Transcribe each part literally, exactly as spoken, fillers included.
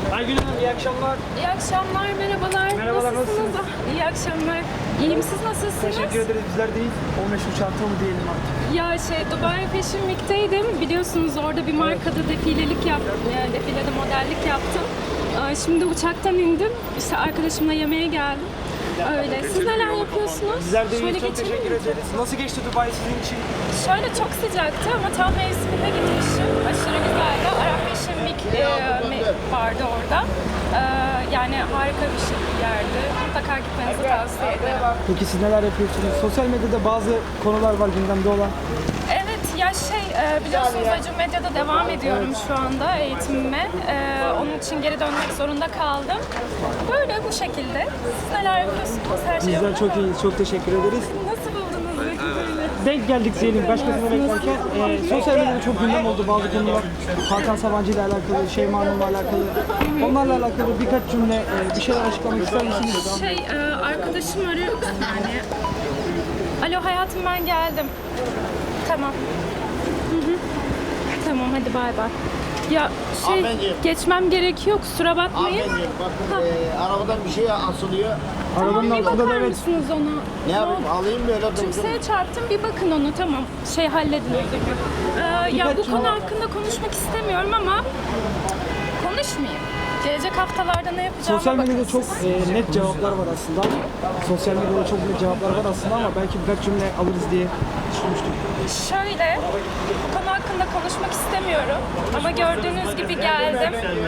Aygün Hanım iyi akşamlar. İyi akşamlar, merhabalar. Merhabalar, nasılsınız? Ah, İyi akşamlar. İyiyim, siz nasılsınız? Teşekkür ederiz. Bizler de iyiyiz. O meşhur çanta mı diyelim artık. Ya şey, Dubai Fashion Week'teydim. Biliyorsunuz orada bir markada defilelik yaptım. Yani defilede modellik yaptım. Aa, Şimdi uçaktan indim. İşte arkadaşımla yemeğe geldim. Öyle. Siz neler yapıyorsunuz? Bizler de Şöyle iyiyiz. Çok geçelim teşekkür mi? ederiz. Nasıl geçti Dubai sizin için? Şöyle çok sıcaktı ama tam mevsiminde gitmişim. Aşırı güzeldi. Arap Fashion Week e, me- vardı orada. E, yani harika bir şey bir yerdi. Mutlaka gitmenizi tavsiye ederim. Peki siz neler yapıyorsunuz? Sosyal medyada bazı konular var gündemde olan. Evet ya şey e, biliyorsunuz Acun Medya'da devam ediyorum şu anda eğitimime. E, onun için geri dönmek zorunda kaldım. Böyle bu şekilde. Siz neler yapıyorsunuz? Her şey Bizler yolunda çok mı? iyiyiz. Çok teşekkür ederiz. Nasıl buldunuz peki böyle? Denk geldik diyelim başkasına beklerken. E, sosyal medyada çok gündem oldu bazı konular. Hakan Sabancı ile alakalı, Şeyma Hanım'la alakalı. Onlarla alakalı birkaç cümle, e, bir şeyler açıklamak ister misiniz? Şey e, arkadaşım arıyor yani. Alo hayatım ben geldim. Tamam. Hı hı. Tamam hadi bay bay. Ya şey Hanımefendi. geçmem gerekiyor kusura bakmayın. Hanımefendi bakın e, arabadan bir şey asılıyor. Arabanın Bir altında da bakar evet. mısınız ona? Ne yapayım oldu? alayım mı öyle dursun? Kimseye çarptım bir bakın onu tamam. Şey halledin o zaman. Ee, ya bu Birkaç konu cümle- hakkında konuşmak istemiyorum ama konuşmayayım. Gelecek haftalarda ne yapacağıma Sosyal medyada bakın çok siz. e, net cevaplar var aslında. Sosyal medyada çok net cevaplar var aslında ama belki birkaç cümle alırız diye düşünmüştüm. Şöyle, bu konu hakkında konuşmak istemiyorum ama gördüğünüz gibi geldim.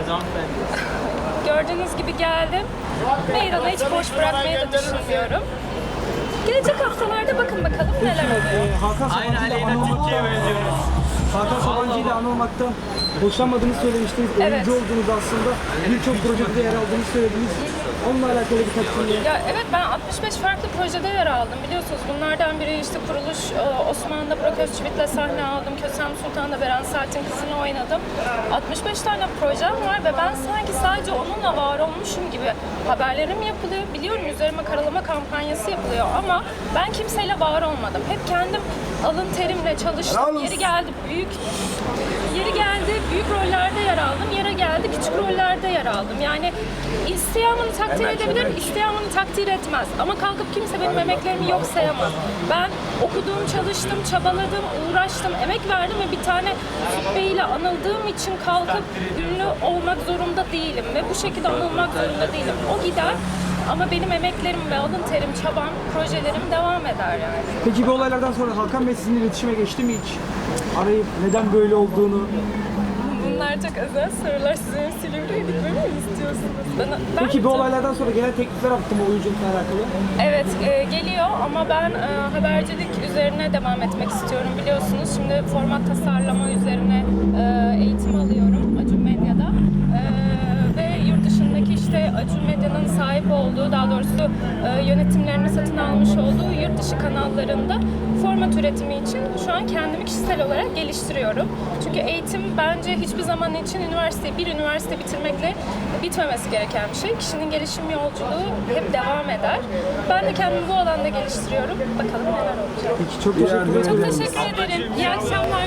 Gördüğünüz gibi geldim. Meydanı hiç boş bırakmayı da düşünmüyorum. Gelecek haftalarda bakın bakalım neler oluyor. E, Hakan Sabancı ile anılmaktan, Hakan Sabancı ile anılmaktan hoşlanmadığınızı söylemiştiniz. Evet. Oyuncu olduğunuz aslında birçok projede yer aldığınızı söylediniz. Onunla alakalı birkaç cümle. Ya evet ben altmış beş farklı projede yer aldım biliyorsunuz. Bunlardan biri işte kuruluş e, Osmanlı'da Burak Özçivit'le sahne aldım. Kösem Sultan'da Beren Saat'in kızını oynadım. altmış beş tane projem var ve ben sanki sadece onunla var olmuşum gibi haberlerim yapılıyor. Biliyorum üzerime karalama kampanyası yapılıyor ama ben kimseyle var olmadım. Hep kendim alın terimle çalıştım. Yeri geldi büyük Yeri geldi büyük rollerde yer aldım. Yere geldi küçük rollerde yer aldım. Yani isteyen bunu takdir edebilir, isteyen bunu takdir etmez. Ama kalkıp kimse benim emeklerimi yok sayamaz. Ben okudum, çalıştım, çabaladım, uğraştım, emek verdim ve bir tane Bey ile anıldığım için kalkıp ünlü olmak zorunda değilim ve bu şekilde anılmak zorunda değilim. O gider ama benim emeklerim ve alın terim, çabam, projelerim devam eder yani. Peki bu olaylardan sonra Hakan Bey sizinle iletişime geçti mi hiç? Arayıp neden böyle olduğunu. Bunlar çok özel sorular. Sizin Silivri'ye gitmemi mi istiyorsunuz? Ben, ben Peki bu gideceğim. olaylardan sonra gelen teklifler attı mı oyunculukla alakalı? Evet e, geliyor ama ben e, habercilik üzerine devam etmek istiyorum biliyorsunuz. Şimdi format tasarlama üzerine e, eğitim alıyorum Acun Medya'da. E, ve yurt dışındaki işte Acun Medya'nın sahip olduğu, daha doğrusu e, yönetimlerini satın almış olduğu yurt dışı kanallarında format üretimi için şu an kendimi kişisel olarak geliştiriyorum. Çünkü eğitim bence hiçbir zaman için üniversite, bir üniversite bitirmekle bitmemesi gereken bir şey. Kişinin gelişim yolculuğu hep devam eder. Ben de kendimi bu alanda geliştiriyorum. Bakalım neler olacak. Peki çok teşekkür ederim. Çok teşekkür ederim. İyi akşamlar.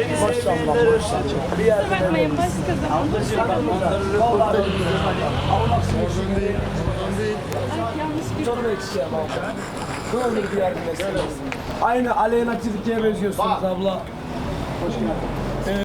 Kusura bakmayın başka zaman. Aynı Aleyna Tilki'ye benziyorsunuz abla. Hoş geldin.